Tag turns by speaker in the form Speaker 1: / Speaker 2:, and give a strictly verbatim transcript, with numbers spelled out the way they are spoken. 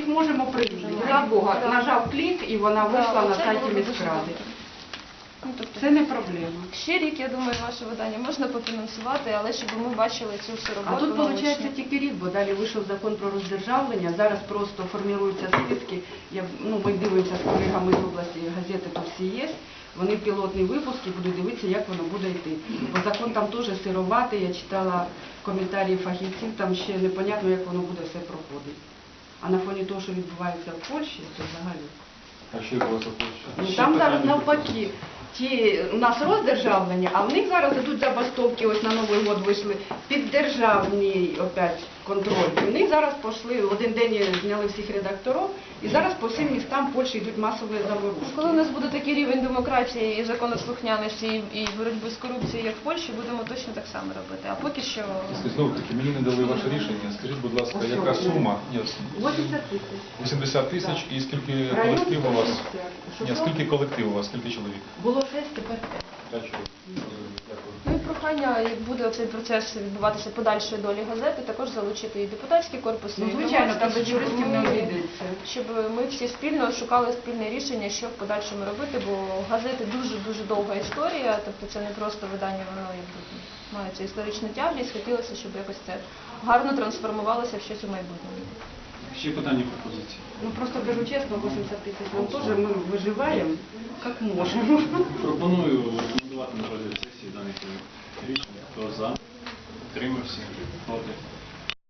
Speaker 1: їх можемо привезти. Ради Бога, нажав клік і вона вийшла на сайті міськради.
Speaker 2: Ну, тобто,
Speaker 1: це не проблема.
Speaker 2: ще рік, я думаю, ваше видання можна пофінансувати, але щоб ми бачили цю всю роботу.
Speaker 1: А тут,
Speaker 2: наочно.
Speaker 1: виходить, тільки рік, бо далі вийшов закон про роздержавлення, зараз просто формуються списки, я, ну, ми дивимося з колегами з області, газети тут всі є, вони пілотні випуски будуть дивитися, як воно буде йти. Бо закон там теж сироватий, я читала коментарі фахівців, там ще непонятно, як воно буде все проходити. А на фоні того, що відбувається в Польщі, то взагалі.
Speaker 3: А що відбувається в Польщі?
Speaker 1: Ну, там зараз навпаки. Ті, у нас роздержавлення, а в них зараз йдуть забастовки, ось на Новий год вийшли, піддержавний опять контроль. І в них зараз пішли, один день зняли всіх редакторів, і зараз по всім містам Польщі йдуть масові заворушки.
Speaker 2: Коли у нас буде такий рівень демократії і законослухняності і і боротьби з корупцією, як в Польщі, будемо точно так само робити. А поки що...
Speaker 3: Знову таки, мені не дали ваше рішення. Скажіть, будь ласка, яка сума? Ні,
Speaker 1: вісімдесят тисяч.
Speaker 3: вісімдесят тисяч і скільки
Speaker 1: Район
Speaker 3: колектив у вас?
Speaker 1: сто
Speaker 3: Ні, скільки колектив у вас, скільки чоловік?
Speaker 1: Було шесть, тепер п'ять.
Speaker 3: П'ять чоловік. Дякую.
Speaker 2: Ну і прохання, як буде цей процес відбуватися подальшої долі газети, також залучити і депутатський корпус,
Speaker 1: Ну,
Speaker 2: і
Speaker 1: звичайно, там
Speaker 2: громадськість,
Speaker 1: без юристів
Speaker 2: щоб
Speaker 1: не
Speaker 2: ми-
Speaker 1: обійдеться.
Speaker 2: щоб ми всі спільно шукали спільне рішення, що в подальшому робити, бо газети дуже-дуже довга історія, тобто це не просто видання, воно якби має цю історичну тяглість, хотілося, щоб якось це гарно трансформувалося в щось у майбутньому.
Speaker 4: Ще питання, пропозиції.
Speaker 1: Ну просто кажу чесно, вісімдесят тисяч, ну теж ми виживаємо, як можемо.
Speaker 4: Пропоную рекомендувати на розгляд сесії даний проект рішення. Хто за? Утримався? Проти?